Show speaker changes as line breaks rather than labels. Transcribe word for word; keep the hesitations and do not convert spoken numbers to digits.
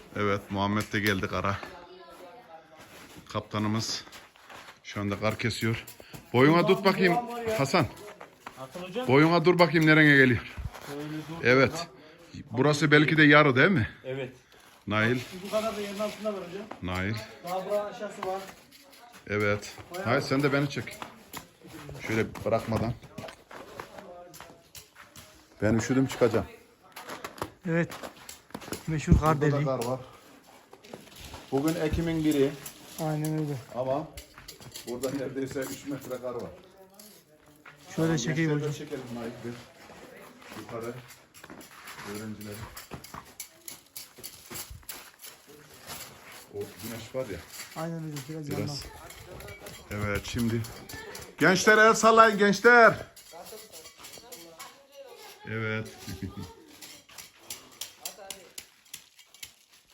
Evet, Muhammed de geldi kara. Kaptanımız şu anda kar kesiyor. Boyuna tut bakayım Hasan. Boyuna dur bakayım nereye geliyor. Evet. Burası belki de yarı değil mi?
Evet.
Nail.
Bu kadar da yerin altında var hocam.
Nail.
Daha buranın aşağısı var.
Evet. Hayır sen de beni çek. Şöyle bırakmadan. Ben üşüdüm çıkacağım.
Evet. Meşhur kar
Burada da
deliği.
kar var. Bugün Ekim'in biri
Aynen öyle.
ama burada neredeyse üç metre kar var.
Şöyle çekeyim
Gençleri de
hocam.
çekelim Nail bir. Yukarı. Öğrencileri. O güneş var ya.
Aynen öyle. Biraz,
Biraz.
yandan.
Evet şimdi. Gençler el sallayın gençler. Evet.